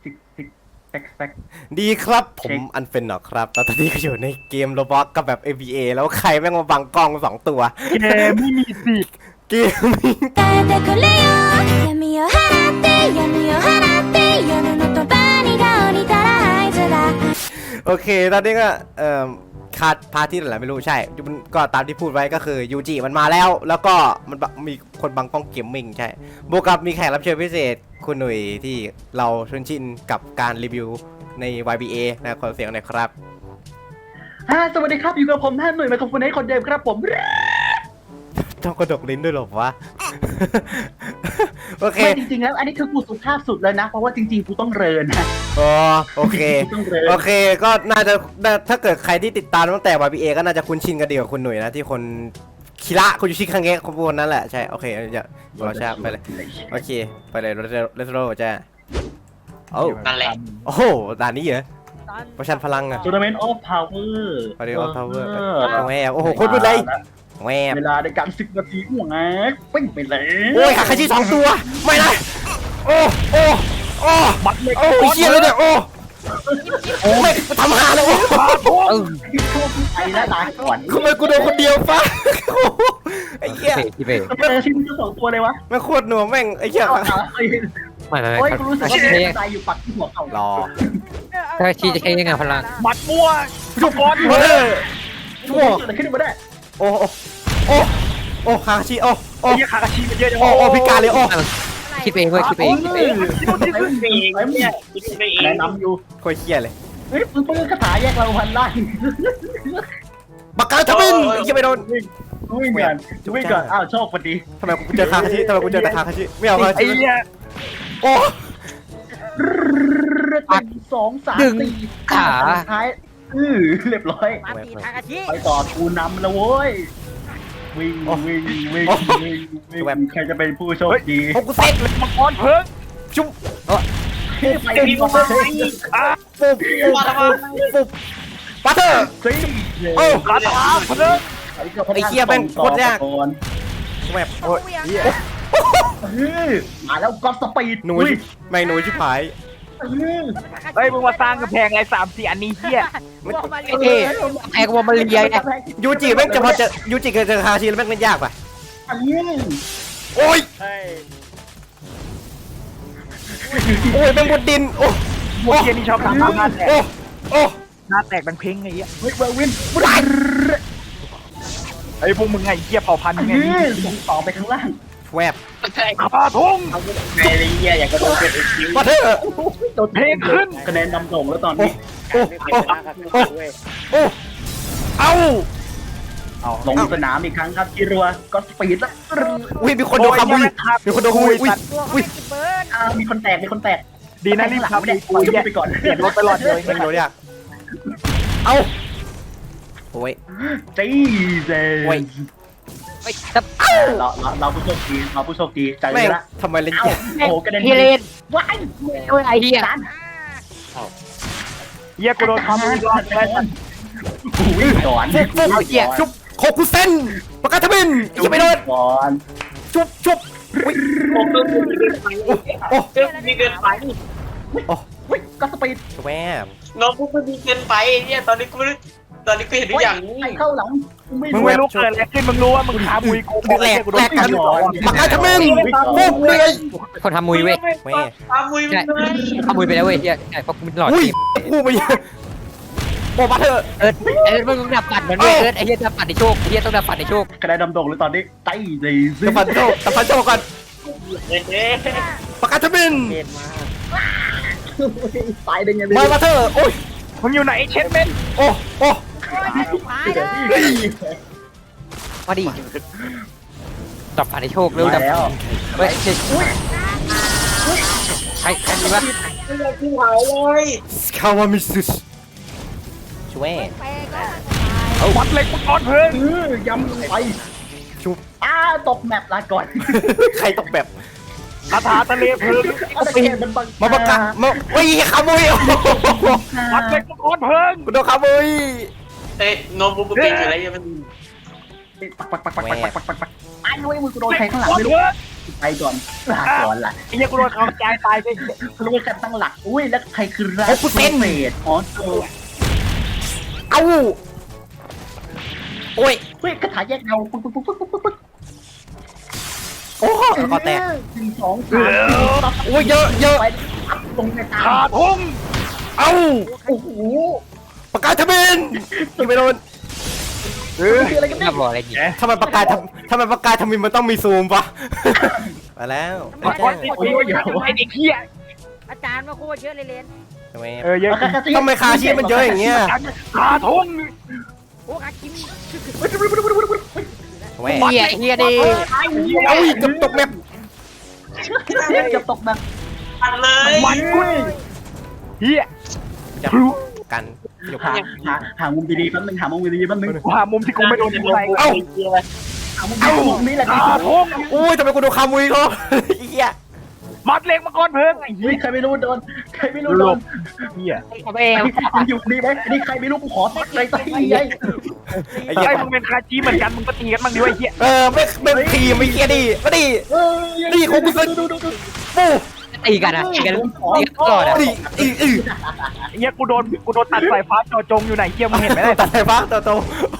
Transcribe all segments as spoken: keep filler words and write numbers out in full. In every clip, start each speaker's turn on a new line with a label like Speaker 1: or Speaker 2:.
Speaker 1: ซิกซิกแซ็กแซ็ก
Speaker 2: ดีครับผ
Speaker 1: เช็
Speaker 2: ม
Speaker 1: ค
Speaker 2: อันเฟนหรอครับตอนนี้ก็อยู่ในเกมโรบล็อกกับแบบ เอ บี เอ แล้วใครแม่งมาบังกล้องสองตัว
Speaker 1: เกมไม่มีสิทธิ์
Speaker 2: เกมนี้
Speaker 3: 耐えてくれよ闇を払って闇を払って夜のとばにが降りたら合図だ
Speaker 2: โอเคตอนนี้ก็เอ่อคาดพาร์ทที่ไหนไม่รู้ใช่มันก็ตามที่พูดไว้ก็คือยูจิมันมาแล้ว แล้วก็มันบมีคนบังกล้องเกมมิ่งใช่บวกกับมีแขกรับเชิญพิเศษคุณหนุ่ยที่เราชุนชินกับการรีวิวใน วาย บี เอ นะขอเสียงหน่อยครับ
Speaker 1: ฮ่าสวัสดีครับอยู่กับผมท่านหน่วยไมโครโฟนให้คนเดิมครับผม
Speaker 2: ต้องกระดกลิ้นด้วยหรอวะ โอเค
Speaker 1: ไม่จริงๆแล้วอันนี้คือกูสุภาพสุดเลยนะเพราะว่าจริงๆกูต้องเรินนะ
Speaker 2: อ๋อโอเค
Speaker 1: กูต้องเริน
Speaker 2: โอเคก็น่าจะถ้าเกิดใครที่ติดตามตั้งแต่ วาย บี เอ ก็น่าจะคุ้นชินกันดีกับคุณหนุ่ยนะที่คนคิระคุณยูชิคังเงะคนพวกนั้นแหละใช่โอเคอย่าเราชาไปเลยโอเคไปเลยเลสโรจ้าโอ้
Speaker 4: นั่นแหละ
Speaker 2: โอ้โหด่านนี้เหรอประชันพลังอะ
Speaker 1: ทัวร์นาเมนต์ออฟพาวเวอร์
Speaker 2: พาริออฟพาวเวอร์แหวโอ้โหโคตรมืดเลยแหว
Speaker 1: เวลาในการสิบนาทีห่วงแอ๊กปิ้งไปเลย
Speaker 2: โอ้ยขาคาชิสองตัวไม่นะโอ้โอ้โอ้
Speaker 1: บัตรเล็ก
Speaker 2: โอ้ยเชี่ยเลยเนี่ยโอ้โอ้ยทำหาเลยโอ้
Speaker 1: ไอ้หน้าตาก่อน
Speaker 2: ทำไมกูโดนคนเดียวฟ้าไอ้เหี้ย
Speaker 5: พี่เป้
Speaker 1: เออชิ้นที่สองตัวเลยวะ
Speaker 2: แม่งโคตรหนัวแม่งไอ้เหี้ย
Speaker 1: เอาเอาไอ้
Speaker 5: ไม่ไม่
Speaker 1: โอ้ย
Speaker 5: ไม่
Speaker 1: กูรู้สึกว่า
Speaker 5: ถ้า
Speaker 1: มี
Speaker 5: ใช้
Speaker 1: ใจอยู่ปักที่หัวเข่าร
Speaker 2: อ
Speaker 5: ถ้าชีจะใช้ยังไงพลัง
Speaker 1: บัตรมั่วทุกคน
Speaker 2: เฮ้ยชั่ว
Speaker 1: เกิดอะไรขึ้นมาได้
Speaker 2: โอ้โอ้โอ้โอ้คาคาชิโอ้โอ้
Speaker 1: ไอ้คาคาชิมันเยอะจัง
Speaker 2: โอ้โอ้พิการเลยโอ้
Speaker 5: คิดเองเว้ยคิดเองคิดเอง
Speaker 1: ไอ้เนี่ยแนะนำอยู่
Speaker 2: โคตรเหี้ยเลย
Speaker 1: เฮ้ยมึงเป็นคาถาแยกเราพันล่าง
Speaker 2: บักกาทบินไอ้เหี้ยไม่โดน
Speaker 1: วิ่งกันวิ่งกันอ้าวโชคพอดี
Speaker 2: ทำไมกูเจอคาคาชิทำไมกูเจอแต่คาคาชิไม่เอาคาคา
Speaker 1: ไอ้
Speaker 2: ชิ
Speaker 1: เนี่ย
Speaker 2: โอ้
Speaker 1: หนึ่งสองสามสี่ท้ายอือเรียบร้อยไปต่อกูนำแล้วเว้ยวิ่งวิ่งวิ่งวิ่งวิ่งใครจะเป็นผู้โชคดี
Speaker 2: โอ้กูเซ็ตเลย
Speaker 1: มังกรเพิ่ง
Speaker 2: จุ๊บ
Speaker 1: ไปดีกว่า
Speaker 2: ปุ๊บปุ๊บปุ๊บปัตเตอร์
Speaker 1: สิ
Speaker 2: โอ้
Speaker 1: คาถาเพิ่ง
Speaker 2: ไอ้เหี้ยแม่งโคตรยากแบบโอ้ย
Speaker 1: มาแล้วก็สปีด
Speaker 2: หนูไม่หนูชิบหาย
Speaker 6: เฮ้ยมึงมาสร้างกำแพงอะไรสามสี่อันนี้เฮีย
Speaker 5: ไอ้เอ๊แพ้กูมาเรียไง
Speaker 2: ยูจิแม่งจะพอเจอยูจิกับเจอคาคาชิแล้วแม่งเล่นยากป่ะโอ้ยโอ้ยแม่งบนดินโอ้
Speaker 6: พวกเฮียนี่ชอบทำหน้าแตก
Speaker 2: โอ้โอ้
Speaker 6: หน้าแตกดังเพ้งไงเฮีย
Speaker 1: เฮ้ยเววิน
Speaker 6: ไอ้พวกมึงไงเฮียเผ่าพันธุ์ไง
Speaker 1: ต่อไปข้างล่าง
Speaker 2: แวบ
Speaker 6: ข้าทง
Speaker 4: ไอ้เหี้ยอยากกระโดดเป็นคิว
Speaker 2: ปัตเตอร์
Speaker 1: โดนเพลงขึ้นคะแนนนำส่งแล้วตอนนี้
Speaker 2: โอ้โอ้โอ้โอ้เอ้า
Speaker 1: ลงสนามอีกครั้งครับคิรัวก็สปีดแล้ว
Speaker 2: อุ้ยมีคนโดนขโมยมีคนโดนขโมยอุ้ยอุ้ย
Speaker 1: มีคนแตกมีคนแตก
Speaker 6: ดีนะรีบขับ
Speaker 1: เนี่
Speaker 6: ดี
Speaker 1: ย
Speaker 6: กู
Speaker 1: กู
Speaker 6: เฮีย
Speaker 1: ไปก่อน
Speaker 6: เปลี่ยนรถตลอดเลย
Speaker 2: ไม่รู้เนี่ยเอ้าโอ้ย
Speaker 1: จีเซ
Speaker 2: โอ้ย
Speaker 5: ไอ้ตับ
Speaker 1: เราเราเราผู้โชคดีเราผู้โชคดีใจ
Speaker 2: แม่ง
Speaker 1: ละ
Speaker 2: ทำไมเล่น
Speaker 1: เอ้าย
Speaker 2: าก
Speaker 1: โอ้กระเด็น
Speaker 5: เฮเลน
Speaker 1: ว้าย
Speaker 5: โอ้ยไอ้เหี้ย
Speaker 1: จาน
Speaker 6: เฮียกูโดนทำมือรอดเลย
Speaker 1: กูวิ่งก่อน
Speaker 2: ฟุบฟุบเอาเหี้ยชุบโคคุเซนปากกาทบินยังไม่โดน
Speaker 1: ก่อน
Speaker 2: ชุบชุบอุ้ย
Speaker 4: โอ้เพิ่มมีเกินไป
Speaker 2: โอ้
Speaker 4: เพิ่มมีเกินไป
Speaker 2: โอ้
Speaker 1: วิ่งก็สปีด
Speaker 2: แวบ
Speaker 4: น้องพวกมันมีเกินไปเนี่ยตอนนี้กูตอนนี้กูเห็นทุกอย่างนี้
Speaker 1: ไอ้เข้าหลังไม่
Speaker 6: มึง
Speaker 1: รู้
Speaker 6: ไม่รู้เกิดอะไรขึ้นมึงรู้ว่ามึงขาบุยกู
Speaker 2: แหลก
Speaker 6: กูโด
Speaker 2: แหล
Speaker 6: น
Speaker 2: กกันปากกาทบินฟุบเลย
Speaker 5: คนทำมุยเว้ย
Speaker 2: แม่
Speaker 4: ตามมุยมึ
Speaker 5: ใช่
Speaker 4: งเลย
Speaker 5: ทำมุยไปแล้วเว้ยเฮียใช่เพราะกูเป็นหลอด
Speaker 2: อุ้ย
Speaker 5: ทีม
Speaker 2: กูไปโอ้ปัตเตอร์
Speaker 5: เอิร์ดเอิร์ดมึงดับปัดมันเว้ยเอิร์ดไอ้เฮียดับปัดในโชคไอ้เฮียต้องดับปัดในโชค
Speaker 1: คะแนนนำส่งเลยตอนนี้ใจดี
Speaker 2: ตะพันโชตะพันโชก่อน
Speaker 4: เอ๊ะ
Speaker 2: ปากกาทบิน
Speaker 1: ตายได้ไง
Speaker 2: มาปัตเตอร์โอ้ย
Speaker 6: มึงอยู่ไหนเช็ดเมน
Speaker 2: โอ้โอ้
Speaker 5: มาดิดับปัดในโชคเร็วดับ
Speaker 1: แล้ว
Speaker 5: เฮ้ยเจ๊ใครใครมีวะ
Speaker 4: ไม่อยากกินหายเลย
Speaker 2: สคาวามิสุช่วย
Speaker 6: เอาวัดเล็กมังกรเพิ่ง
Speaker 1: เออยำลงไป
Speaker 2: ชุบ
Speaker 1: อ้าตกแมปลาก่อน
Speaker 2: ใครตกแบบ
Speaker 6: คาถาทะเลเพิ่ง
Speaker 1: เอาตะเกียบมันบัง
Speaker 2: มาประกาศมาโอ้ยขโมย
Speaker 6: วัดเล็กมังกรเพิ่ง
Speaker 2: กูโดนขโมย
Speaker 4: เอ้ยโน้ตบุ๊กเป็นอยู่แล้วยังมัน
Speaker 1: ปักปักปักปักปักปักปักปักปักไอ้เว้ยมือกูโดนใครข้างหลัง
Speaker 6: วัด
Speaker 1: ไม่รู้
Speaker 6: เพิ่ง
Speaker 1: ไปก่อนลาก่อนล่ะ
Speaker 6: ไอ้เหี้ยกูโดนเขาใจตายไป
Speaker 1: รู้ว่ากันตั้งหลักอุ้ยแล้วใครคือรักเฟดอ๋อเออ
Speaker 2: เอ้าโอ้ย
Speaker 1: เฮ้ยกระถาแยกเงาปึ๊กปึ๊กปึ๊กปึ๊กปึ๊กปึ๊ก
Speaker 2: โอ้แล้วก็แตก
Speaker 1: หนึ่งสองสามสี่
Speaker 2: โอ้ยเยอะเยอะ
Speaker 1: ไปตรงในตา
Speaker 6: ขาดทุ่ง
Speaker 2: เอ้า
Speaker 1: โอ้โห
Speaker 2: ปากกาทมินยิงไม่โดน
Speaker 6: เออ
Speaker 1: คืออะไรกัน
Speaker 5: น่า
Speaker 1: เนี่ย
Speaker 5: บอกอะไรกิน
Speaker 2: ทำไมปากกาทำทำไมปากกาทมินมันต้องมีซูมปะมาแล้ว
Speaker 6: ไอ้บอสนี่โอ้ยไอ้เด็กเหี้ย
Speaker 7: อาจารย์มาโคตรเยอะเลยเลน
Speaker 2: ทำไม
Speaker 6: เออเยอะ
Speaker 2: ทำไมคาชีพมันเยอะอย่างเงี้ย
Speaker 6: ขาดทุ่ง
Speaker 7: โอ้อาคิม
Speaker 2: ทำไม
Speaker 5: เฮียเฮียดิ
Speaker 2: เอ้ยเกือบตกแมป
Speaker 1: เกือบตกแบบ
Speaker 4: ปัดเลย
Speaker 6: มันกุ้ยเหี้ย
Speaker 2: จะกันจบ
Speaker 1: หาหาหามุมดีๆแป๊บนึงหามุมดีๆแป๊บนึง
Speaker 6: ว่ามุมที่กูไม่โดนยิงไป
Speaker 2: เอ้า
Speaker 1: หามุมดีๆมุมนี้แหละดี
Speaker 6: ขาด
Speaker 1: สุด
Speaker 6: ทุ่ง
Speaker 2: โอ้ยทำไมกูโดนคามุยเขาเหี้ย
Speaker 6: มัดเล็กมาก่อนเพิ่งไอ้
Speaker 1: เฮ้
Speaker 6: เหี้
Speaker 1: ย
Speaker 6: ย
Speaker 1: ใครไม่รู้โดนใครไม่รู้โดน
Speaker 6: เหี้ย
Speaker 5: ทำเอง
Speaker 1: มันอยู่นี่ไหมอันนี้ใครไม่รู้กูขอตัดเลยตัดไอ้ยัย
Speaker 2: ไอ้เหี้ย
Speaker 6: ไอ้มึงเป็นคาจีเหมือนกันมึงก็ตีกันบ้างดิวะไอ้เหี้ย
Speaker 2: เออไม่ไม่ทีมไม่เหี้ยดิมาดิ
Speaker 1: เออ
Speaker 2: นี่ของกูซื้อ
Speaker 1: ดูดูดู
Speaker 2: ปู
Speaker 5: ตีกันอะตีกันตีกันก่อนอะ
Speaker 2: ดิอีอี
Speaker 6: ไอ้เหี้ยกูโดนกูโดนตัดสายฟ้าจอจงอยู่ไหนเหี้ยมึงเห็นไหมเนี่ย
Speaker 2: ตัดไฟฟ้าโตโต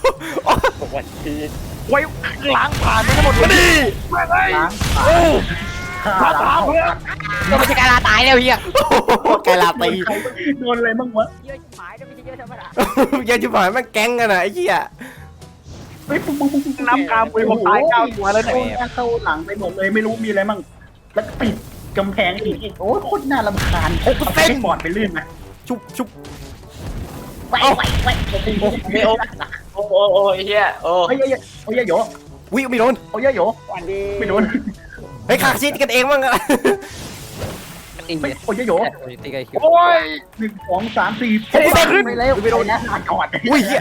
Speaker 6: ไว้ล้างผ่านไปทั้งหมด
Speaker 2: มาดิ
Speaker 1: ล้าง
Speaker 2: โอ้
Speaker 6: ขาตาเพื่อน
Speaker 5: ก็ไม่ใช่การลาตายแล้วเฮีย
Speaker 2: แกลาตี
Speaker 1: โดนอะไรบ้างวะ
Speaker 7: เยอะหมายด้วยไม่ใช่เยอะธรรมดา
Speaker 2: เยอะชิบหายแม่งแก๊งกันอ่ะไอ้เหี้ย
Speaker 1: เฮ้ยปุ๊บปุ๊บปุ๊บปุ๊บ
Speaker 6: น้ำกามปุยผมตายเก้าตัวแล้วเนี่ย
Speaker 1: เข้าหลังไปหมดเลยไม่รู้มีอะไรบ้างแล้วปิดกำแพงอีกโอ้ยโคตรน่ารำคาญเอาไปให้บอดไปลื่นไหม
Speaker 2: ชุบชุบ
Speaker 1: ไปไปไป
Speaker 4: ไม่โอ้โอ้โอ้โอ้เฮียโอ้
Speaker 1: โอ้ยโอ้ยโอ้ยโย
Speaker 2: วิไม่โดน
Speaker 1: โอ้ยโยไม่โดน
Speaker 2: เฮ้ยขาชิดกันเองมั้งอะ
Speaker 5: ตี
Speaker 1: ไม่โอ้ยโย
Speaker 5: ตีกัน
Speaker 6: โอ้ย
Speaker 1: หนึ่งสองสามสี่ไปแล้วไปโดนนะก่อน
Speaker 2: อุ้ยเหี้ย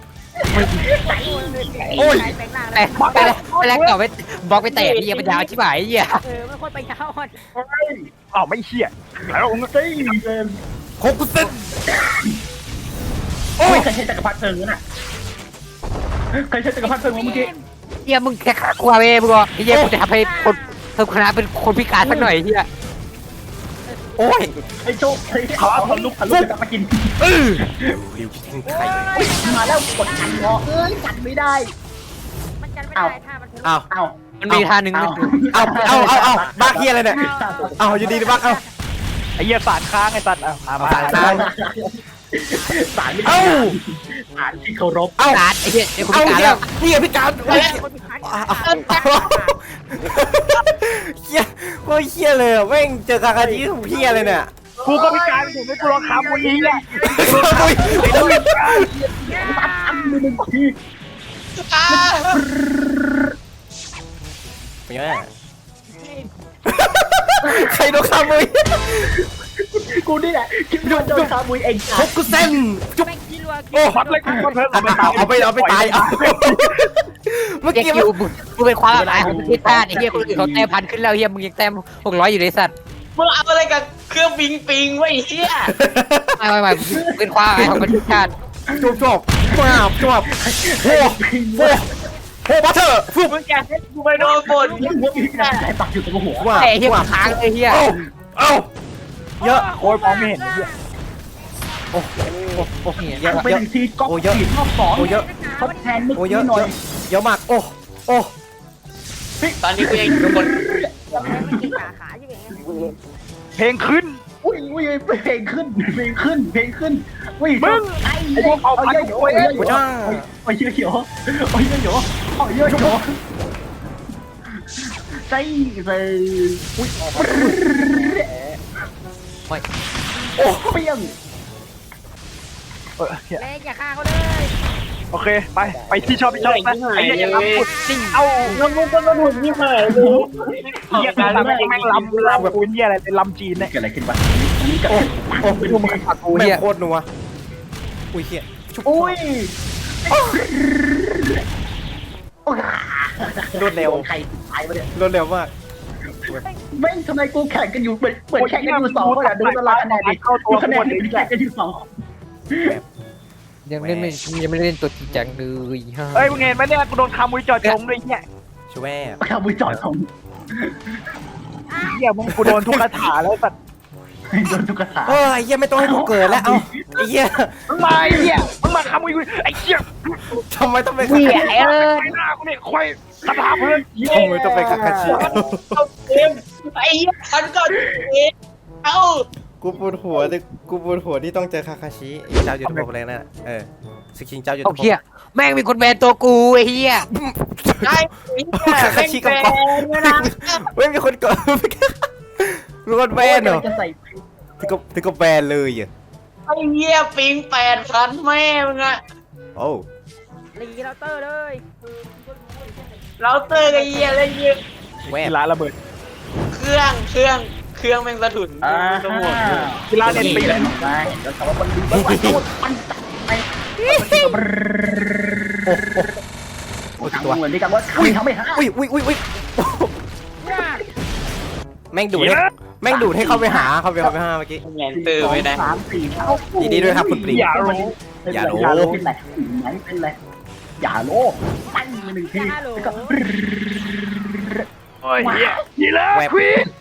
Speaker 7: โอ้ยแปลงหน้า
Speaker 5: แต่ไปแล้วไปแล้วต่อไปบล็อกไปแตะเฮียมันยาวชิบหายเฮีย
Speaker 7: เออไม่ค่อยไปยาวอ่อน
Speaker 6: อ้าวไม่เชี่ยแล้ว
Speaker 1: เฮ้ย
Speaker 2: โคกุเซ็น
Speaker 1: โอ้ยใครใช้จักรพรรดิเพลิงน่ะใครใช้จักรพรรดิเพลิงเมื่อกี้
Speaker 5: เฮียมึงแค่ขากูเว้ยมึงบอกเฮียกูจะทำให้คนเพิ่มคณะเป็นคนพิการสักหน่อยเฮีย
Speaker 2: โอ้ย
Speaker 1: ไอ้โจ๊กเฮ้ยขอทะลุทะลุจะมากิน
Speaker 2: เออริวจะทิ้งไข่
Speaker 1: มาแล้วกดกันงอเอ้ยกันไม่ได้
Speaker 7: มันกันไม่ได้ถ้ามันถึง
Speaker 2: อ้าว
Speaker 1: เอ้า
Speaker 5: มันมีท่าหนึ่ง
Speaker 1: เอา
Speaker 2: เอาเอาเอาเอาบ้าเฮียอะไรเนี่ยเอาอยู่ดีบ้าเอา
Speaker 6: ไอ้เหี้ยสารค้างไอ้สัตว์อ่ะมา
Speaker 2: สารค้าง
Speaker 1: สารไม่
Speaker 2: เอ้า
Speaker 1: สารที่เคารพ
Speaker 2: เอา
Speaker 5: การไอ้เฮียไอ้คน
Speaker 2: เอา
Speaker 5: พิการ
Speaker 2: เฮี
Speaker 5: แล้
Speaker 2: ยว เฮียพี่การโอ้ย
Speaker 7: คนพิการ
Speaker 2: เฮียโอ้ยเฮียเลยแม่งเจอคาคาจิของเฮียเลยเนี่ย
Speaker 6: กูก็พิการอยู่ไม่กูรอคำวันนี้แหละ
Speaker 2: โอ้ย
Speaker 1: ตัดอันมือหนึ่งที
Speaker 2: เป็นไงใครโดนคามุย
Speaker 1: กูนี่แหละคิดว่าโดนคาบุยเอง
Speaker 2: โคกุเซ็นจุ๊บ
Speaker 7: แม่งกินรัว
Speaker 2: โอ้
Speaker 6: มัดเล็กมาก่อนเพิ่ง
Speaker 2: เอาเอาไปเอาไปตายเอาเมื่อ
Speaker 5: เฮีย
Speaker 2: กี้
Speaker 5: คิวกูเป็นความหมายของประเทศชาติไอ้เฮียคนอื่นเขาแต้มพันขึ้นแล้วเฮียมึงยังแต้มหกร้อยอยู่เลยสัตว์
Speaker 4: มึงเอาอะไรกับเครื่องบิงปิงไว้เฮีย
Speaker 5: ไม่ไม่ไม่เป็นความหมายของประเทศชาติ
Speaker 2: จบจบจบจบโอ้โหโอ้บัตเตอร์ฟุบ
Speaker 6: มึงแกให้กู
Speaker 4: ไปโดนฝน
Speaker 1: นี่หัวมีการไหลปักอยู่ตรงหัว
Speaker 2: ว่า
Speaker 5: แต่เฮีย
Speaker 2: ว่า
Speaker 5: ค้างเลยเฮีย
Speaker 2: เอ้าเอ้าเยอะ
Speaker 6: โอ้ยมองไม่เห็นเหี้ย
Speaker 2: โอ้โอ้โอ้เยอะ
Speaker 1: ไป
Speaker 2: เยอะ
Speaker 1: ถึงทีก็ขีดรอบสอง
Speaker 2: โอ้เยอะ
Speaker 1: ทดแทนเมื่อ
Speaker 2: โอ้เย
Speaker 1: กี้
Speaker 2: อะ
Speaker 1: หน่อย
Speaker 2: เยอะมากโอ้โอ้
Speaker 4: ตอนนี้กูยังอยู่บน
Speaker 7: แล้วแม่งไม่กินขาขาใช่ไหม
Speaker 6: เพลงขึ้น
Speaker 1: อุ้ยอุ้ยเพลงขึ้นเพลงขึ้นเพลงขึ้นอุ้ย
Speaker 6: มึง
Speaker 1: ไอ้
Speaker 6: ไอ้พวกเอาพัน
Speaker 1: เยอะ
Speaker 6: โอ้ย
Speaker 1: เยอะเยอะโอ้ยเยอะเยอะโอ้ยเยอะเยอะโอ้ยเยอะเยอะใจเลยอุ้ยโอ้เปี้ยง
Speaker 6: เออเหี้ย
Speaker 7: เล่นอย่าฆ่าเขาเลย
Speaker 6: โอเคไปไปที่ชอบที่ชอบนะไอ้เหี้ยอย่าลำปุดซิ่งเอา
Speaker 4: แล้วมึงก็มาหนุนนี่หายเลย
Speaker 6: เหี้ยการแม่งลำลำแบบกูเหี้ยอะไรเป็นลำจีนเนี่ย
Speaker 1: เกิดอะไรขึ้นวะนี่กับ
Speaker 2: โอ้โอ้
Speaker 5: ดูมึงขัดกู
Speaker 2: แม่
Speaker 5: เฮีย
Speaker 2: โคตรนัวอุ้ยเฮีย
Speaker 1: อุ้ย
Speaker 2: รวดเร็ว
Speaker 1: ใครตายวะเนี่ย
Speaker 2: รวดเร็วมาก
Speaker 1: ไม่ทำไมกูแข่งกันอยู่เหมือนเหมือนแข่งกันอยู่สองคนอ่ะดูตารางคะแนนดิดูคะแนนแข่งกันอยู่สอง
Speaker 5: ยังเล่นไม่ยังไม่ได้เล่นตัวจริงจังเลยฮะ
Speaker 6: เอ้ยมึงเห็นไหมเนี่ยกูโดนคามุยจอดจงด้วยเนี่ย
Speaker 2: ช่วย
Speaker 1: ข้าวมือจอดของ
Speaker 6: เหี้ยมึงกูโดนทุกคาถาแล้วสัตว์
Speaker 1: โดนทุกกระถา
Speaker 2: เออไอ้เหี้ยไม่ต้องให้กูเกิดแล้วเอ้าไอ้เหี้ย
Speaker 6: มึงมาไอ้เหี้ยมึงมาขโมยกูไอ้เหี้ย
Speaker 2: ทำไมต้องเป็น
Speaker 5: เหี้ยเออ
Speaker 6: ไอ้หน้ากูเนี่ยควายสภาพเพื่อน
Speaker 2: ทำไมต้องเป็นคาคาชิ
Speaker 4: เอาเกมไอ้เหี้ยฉันก็เองเอ้า
Speaker 2: กูปวดหัวแต่กูปวดหัวที่ต้องเจอคาคาชิไอ้เจ้ายุทธภพอะไรนั่นน่ะเออสกินเจ้ายุทธ
Speaker 5: โอ้
Speaker 2: ภพ
Speaker 5: เหี้ยแม่งมีคนแบนตัวกูไอ้เหี้ย
Speaker 4: ได้ไอ้เหี้ย
Speaker 2: คาคาชิกับ
Speaker 4: แบ
Speaker 2: กอน
Speaker 4: นด้วยนะ
Speaker 2: เว้ยมีคนกดมีคนแบนเหรอ
Speaker 1: จะใส่
Speaker 2: ถึงกับถึงกับแบนเลยอ่ะ
Speaker 4: ไอ้เหี้ยปิงแปดพันแม่มึงอะ
Speaker 2: โอ้
Speaker 7: รีเราเตอร์เลย
Speaker 4: เราเตอร์กับเหี้ยอะไรเหี้ย
Speaker 2: แวบ
Speaker 6: กีฬาระเบิด
Speaker 4: เครื่องเครื่องเครื่องแม่งสะดุด
Speaker 1: อ่า
Speaker 4: สมุน
Speaker 6: กีฬาเน็ตปีน
Speaker 1: ได้แล้วแต่ว่ามันดูมันโดนมันไป
Speaker 2: โอ้
Speaker 1: ทาง
Speaker 2: ตัว
Speaker 1: เหมือนที่กันว่าอุ้ยทำไม่หา
Speaker 2: อุ้ยอุ้ยอุ้ยอุ้ยแม่งดูดให้แม่งดูดให้เข้าไปหาเข้าไปเข้าไปหาเมื่อกี้
Speaker 4: แงนเตอร์ไม่ได้
Speaker 1: สามสี่เท่า
Speaker 2: ยินดีด้วยครับคุณปริง
Speaker 6: อย่ารู้
Speaker 2: อย่ารู้
Speaker 1: อย่าโลเป็นไรไหนเป็นไรอย่าโลปั้งมาหนึ่งทีแล้วก็
Speaker 6: โอ้ยเหี้ยกีฬาควีน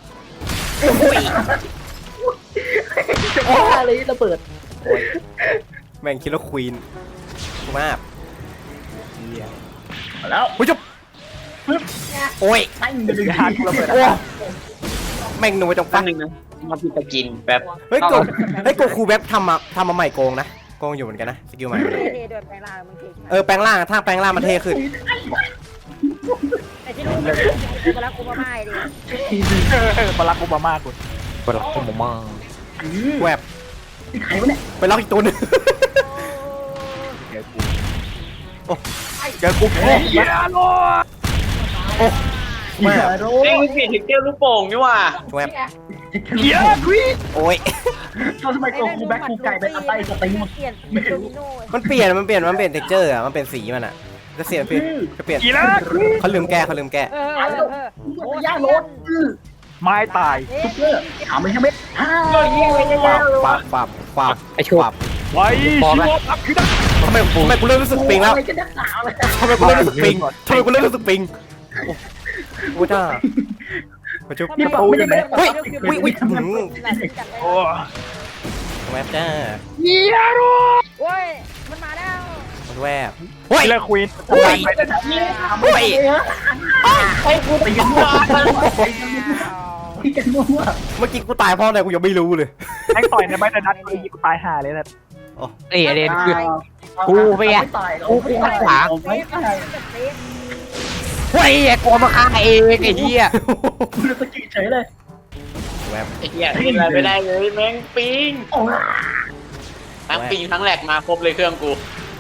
Speaker 1: จะว่าอะไรระเบิด
Speaker 2: แม่งคิดว่าควีนมาก
Speaker 1: แล้ว
Speaker 2: ผู้ชมโอ้ย
Speaker 1: ปั้งมาหนึ่ง
Speaker 6: อย่าหา
Speaker 1: ที
Speaker 6: กูระเบิด
Speaker 2: โอ้แม่งหนูจัง
Speaker 4: ตั้
Speaker 2: ฟั
Speaker 4: ง
Speaker 2: ง
Speaker 4: หนึ่งนะมาพิจารกินแบบ
Speaker 2: เฮ้ยโกเฮ้ยโกคูแบบทำมาทำมาใหม่โกงนะโกงอยู่เหมือนกันนะสกิลใหม่
Speaker 7: เท่ๆด้วยแปลงร่างมึงเท่
Speaker 2: เออแปลงร่างถ้าแปลงร่างมันเท่ขึ้น
Speaker 7: แต่ที่รู้มันกูรักกูมาไม่ดิ
Speaker 6: บารักโอบามากู
Speaker 5: ปลอกผมมอง
Speaker 2: แวบ
Speaker 1: ใครวะเนี่ย
Speaker 2: ไปล็อกอีกตัวหนึง
Speaker 6: เดี๋ยวกูเดี๋ยวกูโอ้ยอย่าโล
Speaker 2: แว
Speaker 1: อย่า
Speaker 2: บ
Speaker 1: โล
Speaker 4: เอ้ยมึงเปลี่ยนถึงเกลลูกโป่งนี่ว่ะ
Speaker 2: แวบ
Speaker 6: อย่าควีน
Speaker 2: โอ้ย
Speaker 1: ทำไมตัวกูแบ็คกูไก่เป็นอะไรสติง
Speaker 7: เปลี่ยนเป็นโดมิโน่
Speaker 2: มันเปลี่ยนมันเปลี่ยนมันเปลี่ยนเท็กเจอร์อ่ะมันเป็นสีมันอ่ะก็เสียเปลี่ยนก็เปลี่ยน
Speaker 6: กีฬาควีน
Speaker 2: เขาลืมแก้เขาลืมแก้
Speaker 7: เออเออเออ
Speaker 1: โอ้ยย่าโลด
Speaker 6: ไม้ตาย
Speaker 1: ซุปเปอร์ถามไม่ใช่ไหมฮ่า
Speaker 2: ปาบปาบปาบ
Speaker 5: ไอ้ชั่ว
Speaker 2: ปาบ
Speaker 6: ไว้ชิโร่อัพคือได้
Speaker 2: ทำไมทำไมกูเริ่มรู้สึกปิงแล้ว
Speaker 1: อะไรกันนักหนาเลย
Speaker 2: ทำไมกูเริ่มรู้สึกปิงทำไมกูเริ่มรู้สึกปิงโอ้โหจ้ามาชุบ
Speaker 1: นี่บอกไม่ได้ไหม
Speaker 2: เฮ้ยอุ้ยอุ้ยหืม
Speaker 6: โอ้
Speaker 2: แวบจ้า
Speaker 6: อย่าโล
Speaker 7: โอ้ยมันมาแล้ว
Speaker 2: มันแวบเฮ้ย
Speaker 6: กีฬาควีน
Speaker 2: โอ้ย
Speaker 1: โอ้ย
Speaker 4: ให้กูตีกันมา
Speaker 1: พี่กันมั่ว
Speaker 2: เมื่อกี้กูตายเพราะอะไรกูยังไม่รู้เลย
Speaker 6: แม่งต่อยในใบแต่นัดกูยิงกูตายห่าเลยนะ
Speaker 5: ไอ้เดนคือ
Speaker 1: กู
Speaker 5: ไปอ่ะ
Speaker 1: กูกูขวาง
Speaker 7: เป๊ะมันแบบเป๊ะ
Speaker 5: เฮ้ยไอ้กลัวมาฆ่าเองไอ้เหี้ย
Speaker 1: กูจะสกิดเฉยเลย
Speaker 2: แวบ
Speaker 4: ไอ้เหี้ยเล่นอะไรไม่ได้เลยแม่งปิง
Speaker 1: โอ้ย
Speaker 4: ทั้งปิงทั้งแหลกมาครบเลยเครื่องกู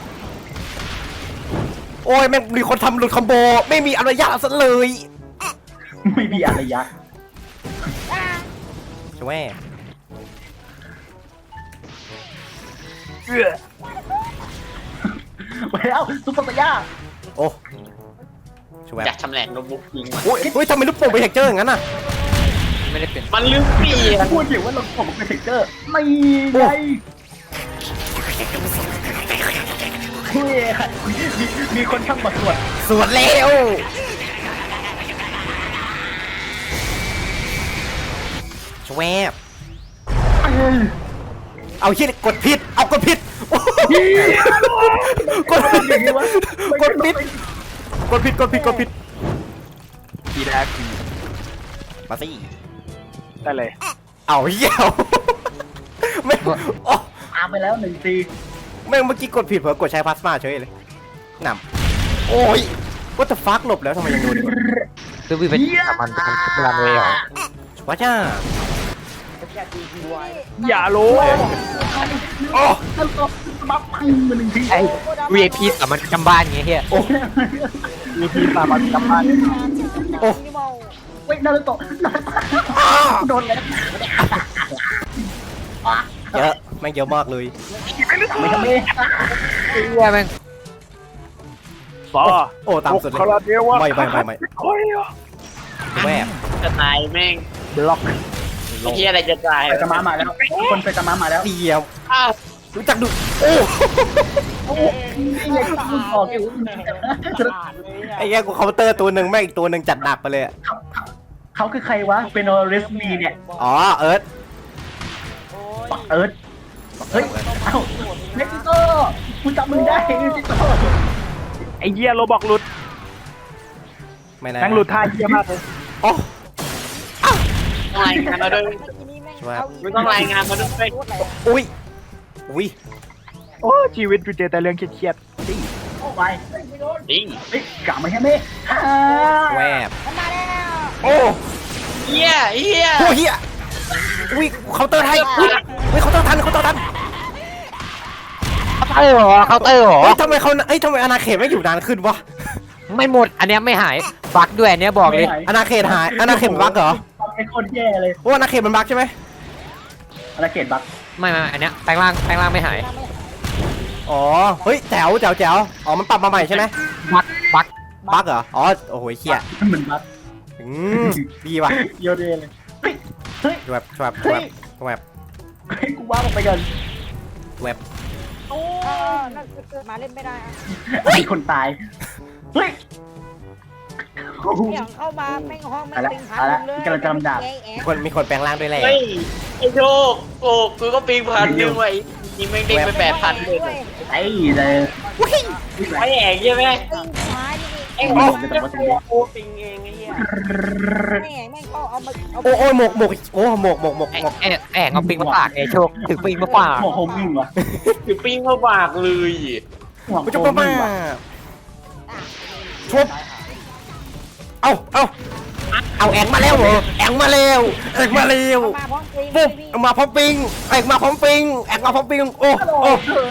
Speaker 2: โอ้ยแม่งมีคนทำหลุดคอมโบไม่มีอนุญาตซะเลย
Speaker 1: ไม่มีอะไรยะ
Speaker 2: ใช่ไหม
Speaker 6: เอื้อ
Speaker 1: ไปแล้วซุปเปอร์สยา
Speaker 2: โอ้ใช่ไหม
Speaker 4: อยากชำแหละโน้ตบุ๊กปิงมา
Speaker 2: โอ้ยโอ้ยทำไมลูกโป่งเป็นเท็กเจอร์อย่างนั้นน่ะ
Speaker 5: ไม่ได้เปลี่ยน
Speaker 4: มันลืมเปลี่ยน
Speaker 1: พูดอยู่ว่าเราผมเป็นเทคเกอร์ไม่ไงมีมีคนช่างมาตรวจ
Speaker 2: สวดเร็วชวบเอาชิดกดผิดเอากดผิดกดผิดกดผิดกดผิดกดผิดกดผิด
Speaker 6: กีฬาควีน
Speaker 2: มาสิ
Speaker 6: ได้เลย
Speaker 2: เอาเหี้ยวไม่โอ้
Speaker 1: ตามไปแล้วหนึ่งที
Speaker 2: แม่งเมื่อกี้กดผิดเผลอกดใช้พลาสมาเฉยเลยหนำโอ้ยว่าแต่ฟักหลบแล้วทำไมยังโดนอยู่
Speaker 5: คือวิเป็นสามันเป็นเวลาเลยเหรอ
Speaker 2: ว้าจ้า
Speaker 6: อย่าโล
Speaker 2: โอ้
Speaker 1: แล้วก็บัฟพังมาหนึ่งที
Speaker 5: ไอ้ วี ไอ พี สามันจำบ้านไงเฮีย
Speaker 1: โอ้
Speaker 6: มีทีมสามัญกลับบ้าน
Speaker 2: โอ้
Speaker 1: เว้ยนารุโตะโดนแล้ว
Speaker 2: เยอะแม่งเยอะมากเลย
Speaker 1: ไม่ทำไม่
Speaker 5: เฮียแม่ง
Speaker 6: ซอ
Speaker 2: โอ้ตามสุดเลย
Speaker 6: คาราเดวะ
Speaker 2: ไม่ไม่ไม่ไม่
Speaker 6: โอ้ย
Speaker 2: แวบ
Speaker 4: จะตายแม่ง
Speaker 6: บล็อก
Speaker 4: ไอ้เหี้ยอะไรจะตาย
Speaker 1: ไปตะมามาแล้วคนไปตะมามาแล้ว
Speaker 2: เดียว
Speaker 4: อ้าว
Speaker 2: รู้จักดูโอ้
Speaker 1: นี่ไงกูบอกอยู่
Speaker 2: ไอ้แย่กูเคาน์เตอร์ตัวหนึ่งแม่งอีกตัวหนึ่งจัดหนักไปเลยอะ
Speaker 1: เขาคือใครวะเป็นโอเรสมีเนี่ย
Speaker 2: อ๋อเอิร์ธ
Speaker 1: ปักเอิร์ธเฮ้ยเอ้าเม็กซิโกกูจำมึงได้เม็กซิโก
Speaker 6: ไอ้เหี้ยโรบอกหลุด
Speaker 2: ไม่นะ
Speaker 6: นั่งหลุดท่าเหี้ยมากเลย
Speaker 2: โอ้
Speaker 4: ต้องรายงานมาด้วย
Speaker 7: ทีนี้แม่ง
Speaker 2: ช่วย
Speaker 7: เอา
Speaker 4: ไม่ต้องรายงานมาด้วย
Speaker 7: โคตรแรง
Speaker 2: อุ้ยอุ้ย
Speaker 6: โอ้ชีวิตกูเจอแต่เรื่องเครียด
Speaker 1: เข้าไป
Speaker 4: จริง
Speaker 1: เฮ้ยกลับมาใช่ไหมฮ่า
Speaker 2: แวบ
Speaker 7: มันมาแล้ว
Speaker 2: โอ้
Speaker 4: เฮียเฮีย
Speaker 2: โหเฮียอุ้ยเคาน์เตอร์ไทยอุ้ยอุ้ยเคาน์เตอร์ทันเคาน์เตอร์ทัน
Speaker 5: เคาน์เตอร์เหรอเคาน์เตอร์เหรอ
Speaker 2: เฮ้ยทำไมเขาเอ้ยทำไมอาณาเขตไม่อยู่นานขึ้นวะ
Speaker 5: ไม่หมดอันเนี้ยไม่หายบักด้วยอันเนี้ยบอกเลย
Speaker 2: อาณาเขตหายอาณาเขตมันบั๊กเหรอ
Speaker 1: ไอ้คนแย่เลย
Speaker 2: โอ้อาณาเขตมันบั๊กใช่ไหม
Speaker 1: อาณาเขตบัก
Speaker 5: ไม่ไม่ไม่อันเนี้ยแปลงร่างแปลงร่างไม่หาย
Speaker 2: อ๋อเฮ้ยแจ๋วแจ๋วแจ๋วอ๋อมันปรับมาใหม่ใช่ไหม
Speaker 5: บักบัก
Speaker 2: บั๊กเหรออ๋อโอ้โหเฮีย
Speaker 1: เหมือนบัก
Speaker 2: อืมดีว่ะ
Speaker 1: โยเดเลยเฮ้ยเฮ้ย
Speaker 2: แวบแวบ
Speaker 1: เฮ้
Speaker 2: แวย บแวบ
Speaker 1: เฮ้ยกูว่ามันไปกัน
Speaker 2: แวบ
Speaker 7: โอ้นั่นเกิดมาเล่นไม่ได้อะ
Speaker 1: ไอ้คนตายเฮ้ย
Speaker 7: เนี่ยเข้ามาแม่งห้องแม่ง
Speaker 1: เอาละ
Speaker 7: ปิงพัน
Speaker 1: เอาละ
Speaker 7: เลย
Speaker 1: กำลังจะลำดับ
Speaker 7: แอะแอะ
Speaker 2: มีคนมีคนแปลงร่างด้วยแหละ
Speaker 4: เฮ้ยไอ้โชคโอ้กูก็ปีพันหนึ่งไว้ยิงแม่งเด้งไปแปดพันเลย
Speaker 7: ด้วย
Speaker 1: ไอ้เลย
Speaker 4: ไอ้แอกใช่ไหม
Speaker 7: ปิงพันนี่
Speaker 4: ไอ้
Speaker 1: โอ้
Speaker 4: โอ้
Speaker 1: โหจะบอกว่าจะเรียก
Speaker 4: โอ้ปิงเองไอ้เหี้ย
Speaker 7: แม่งแม่งก็เอามาเอา
Speaker 2: โอ้โอ้ยหมกหมกโอ้หมกหมกหมก
Speaker 5: แอะ
Speaker 2: หมก
Speaker 5: แอะแอะเอาปิงมาปากไงโชคถือปิงมาปาก
Speaker 1: หัวโฮมมิ่งวะ
Speaker 4: คือปิ้งเข้าปากเลย
Speaker 1: หัว
Speaker 2: กู
Speaker 1: โฮ
Speaker 2: จะ
Speaker 1: ม
Speaker 2: มา
Speaker 1: มิ่งวะ
Speaker 2: ชุบเอาเอาเอาแองมาแล้วเหรอแองมาแล้วแองมาแล้ว
Speaker 7: เอามาพร้อมปิง
Speaker 2: ปุ๊บ
Speaker 7: พี่
Speaker 2: เอามาพร้อมปิงแองมาพร้อมปิงแองมาพร้อมปิงโอ้โอ้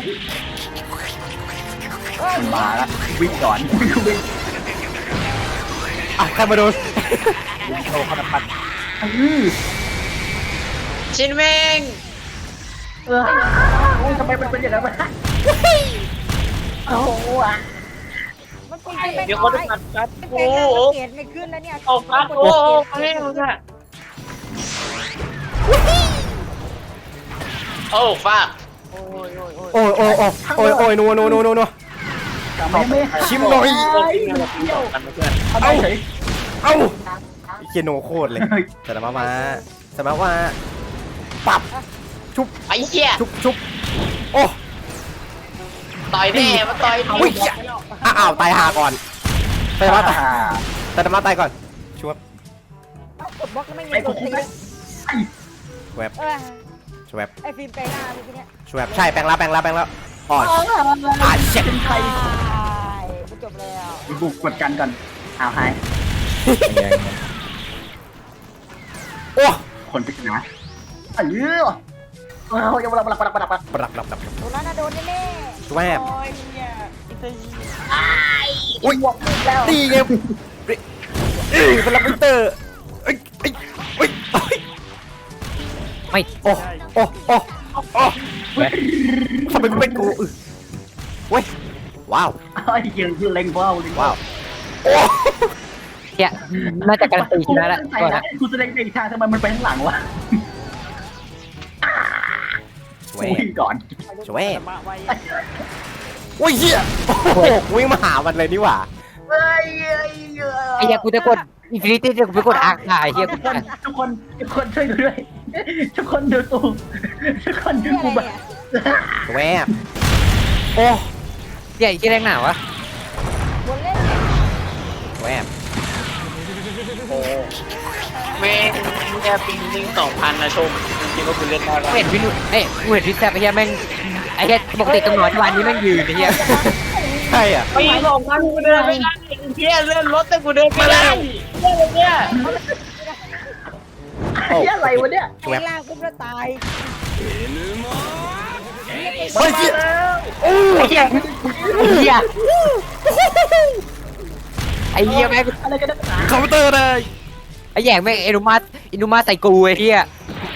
Speaker 1: มาละวิ่งก่อนวิ่ง
Speaker 2: อ่ะใครมาโดน
Speaker 6: โตขนาดพัน
Speaker 1: อื้อ
Speaker 4: ชินแม่ง
Speaker 1: เออโอ้ยทำไมมันเป็นอย่างนั้นวะโอ้โหอ่ะ
Speaker 7: มันปิงไม่
Speaker 4: เดี๋ยว
Speaker 7: น้
Speaker 4: เขา
Speaker 7: อ
Speaker 4: จะ
Speaker 7: ย
Speaker 4: ตัดกัด
Speaker 7: เป็น
Speaker 4: โอ้
Speaker 7: แปลง
Speaker 4: โห
Speaker 7: ร่างเกตไม่ขึ้นแล้วเนี่ย
Speaker 4: ออกกัดโอ้โหแม่งอะโอ้ฟาด
Speaker 2: โอ้ยโอ้ยโอ้ยโอ้ยโอ้ยนัวนัวนัวนัวนัว
Speaker 1: กลับมาไม่
Speaker 2: ชิมหน่อย
Speaker 4: โอ้ปิ้งอะไรปิ้งออกกันเพื่อน
Speaker 1: เอาเฉย
Speaker 2: เอ้าเคียโนโคตรเลยแต่ละมามาแต่มาว่าปับชุบ
Speaker 4: ไอ้เหี้ย
Speaker 2: ชุบชุบโอ้
Speaker 4: ต่อยแน่มาต่อย
Speaker 2: อุ้ยอ้าวตายหาก่อนแต่มาตายแต่มาตายก่อนชุบ
Speaker 7: เอากดบล็อกแล้วไม่มี
Speaker 1: ไอ้
Speaker 7: ก
Speaker 1: กู
Speaker 7: ด
Speaker 1: คุ
Speaker 7: ตี
Speaker 1: กไหม
Speaker 2: แวบ
Speaker 7: เออ
Speaker 2: ชวบ
Speaker 7: ไอ้ฟิล์มแปลงร่างเมื่อกี้เนี่ย
Speaker 2: ชวบใช่แปลงแล้วแปลงแล้วแปลงแล้วอ๋ออ่าเช็ด
Speaker 1: เป็นใคร
Speaker 7: ตายกูจบแล้ว
Speaker 1: บุกกดกันก่อนอ้าวหาย
Speaker 2: โอ้
Speaker 1: คนปริศนาเออเออยังมาปลักปลักปลักปลัก
Speaker 2: ปรับปรับปรับ
Speaker 7: โดนแล้วนะโดนแน่
Speaker 2: ชวบ
Speaker 7: ๆโอ้ยเนี่ย
Speaker 2: อุ้ย
Speaker 7: บวกมึงแล้ว
Speaker 2: ตีไงเอ้ยเป็นลับเตอร์เอ้ยเอ้ยเอ้ย
Speaker 5: ไม่
Speaker 2: โอ้โอ้โอ้โอ้ทำไมกูเป็นกูอึเว้ยว้าว
Speaker 1: ไอ้ยังคือเล็งว้าวเล็ง
Speaker 2: ว้า
Speaker 1: ว้าว ว
Speaker 2: โอ้
Speaker 5: เนี่ยน่าจะการันตีชนะแล้ว
Speaker 1: ใส่
Speaker 5: ก่อน
Speaker 1: นะ
Speaker 5: นะ
Speaker 1: กูแสดงในทางทำไมมันไปข้างหลังวะ
Speaker 2: ชวบ
Speaker 1: วิ่งก่อน
Speaker 2: ชวบโอ้ยเหี้ยโอ้โหวิ่งมาหามันเลยนี่หว่า
Speaker 1: เฮ้ย
Speaker 5: ไอ้เหี้ยกูจะกดอินฟินิตี้จะกูไปกดอาร์คไอ้เหี้ย
Speaker 1: ทุ
Speaker 5: กู
Speaker 1: กคนทุกคนทุกคนช่วยดูด้วยทุกคนดูตูทุกคนดู
Speaker 7: เพื่อ
Speaker 1: กู
Speaker 7: อะไร
Speaker 1: แบบ
Speaker 7: เนี่ย
Speaker 2: ชวบโอ้
Speaker 5: เหี้ยไอ้เหี้ยแรงหนาวะ
Speaker 7: บนเล่นเนี่ย
Speaker 2: ชวบ
Speaker 4: แม่งแค่ปิ้งปิ้งสองพันนะชมจริงๆก็คือเล่นได้แล้ว
Speaker 5: กูเห็นพี่นุ่นเอ้ยกูเห็นพี่แซ่บไอ้เหี้ยแม่งไอ้เหี้ยปกติตำรวจที่วันนี้แม่งยืนไอ้เหี้ย
Speaker 2: ใช่อ่ะ
Speaker 4: ปีสองพันกูเดินไม่ได้เพี้ยเลื่อนรถแต่กูเดินไม่ได้เลื่อนเนี่ย
Speaker 2: โอ้
Speaker 1: ไอ้อะไรวะเนี่ย
Speaker 7: แปลงร่างปุ๊บแล้วตาย
Speaker 2: เฮ้ยเหี้ยโอ้
Speaker 5: ไอ้เหี้ยไอ้เหี้ยไอ้เหี้ยแม่ง
Speaker 1: อะไรกันนักหนา
Speaker 2: คอมพิวเตอร์เลย
Speaker 5: ไอ้แย่งแม่งเอนุมาเอนุมาใส่กูไอ้เหี้ย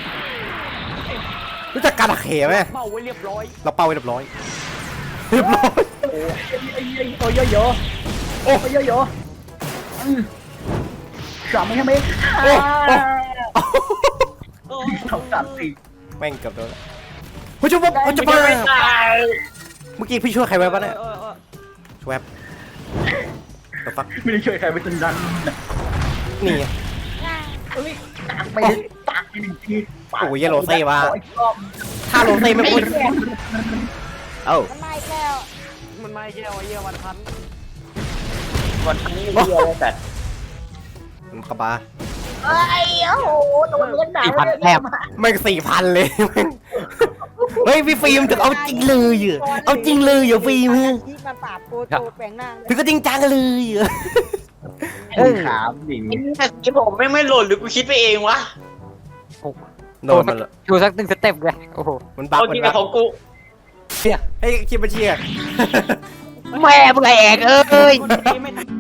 Speaker 2: รู้จักการหักเหไหม
Speaker 6: เมาไว้เรียบร้อย
Speaker 2: เราเป่าไว้เรียบร้อยเรียบร้อย
Speaker 1: ไอ้ไอ้ไอ้โอ้ยโยโอ้ยโยโย่สามไม่ใช่ไหม
Speaker 2: โอ้โอ้
Speaker 1: สองสามสี่
Speaker 2: แม่งเกือบโดนเฮ้ยจุ๊บปุ๊บเฮ้ยจุ๊บปุ๊บเมื่อกี้พี่ช่วยใครไว้ปะเนี่ยช่วยตัวฟัก
Speaker 1: ไม่ได้ช่วยใครไปจนดัน
Speaker 2: นี่ไง
Speaker 1: เอ้ยตักไปเลยตักไปหนึ่งที
Speaker 2: โอ้ยเยลโลเซ่ว่ะ
Speaker 1: ขออีกรอบ
Speaker 2: ถ้าโลเซ่ไม่พูดเอ้า
Speaker 7: มันมาอีกแล้ว
Speaker 6: มันไม่เยี่ยวเยี่ยวันพัน
Speaker 4: วันนี้เรียอะไรแต่
Speaker 2: มันกระบา
Speaker 7: เอ้ยโอ้โหตัวเลือดหนา
Speaker 5: สี่พันแทบ
Speaker 2: ไม่สี่พันเลยเฮ้ยพี่ฟิล์มถึงเอาจริงเลยเหรอเอาจริงเลยเหรอฟิล์ม
Speaker 7: ที่มาปราบโปโตแปลงหน้า
Speaker 2: ถึงก็จริงจังเลยเหรอ
Speaker 1: ไอ้ขามดิ
Speaker 4: ไอ้ที่ผมไม่ไม่หล่นหรือกูคิดไปเองวะ
Speaker 2: โดนมัน
Speaker 5: ดูสักหนึ่งสเต็ปเลยโอ้โห
Speaker 2: มันบัก
Speaker 4: เอา
Speaker 2: มั
Speaker 4: จริ
Speaker 2: น
Speaker 4: ง
Speaker 2: บั
Speaker 4: กับ
Speaker 2: ก
Speaker 4: ของกู
Speaker 2: ให้คิดมาเชียร์
Speaker 5: แม่มึงไอ้แอกเอ้ย
Speaker 6: คนดีไม่ทำ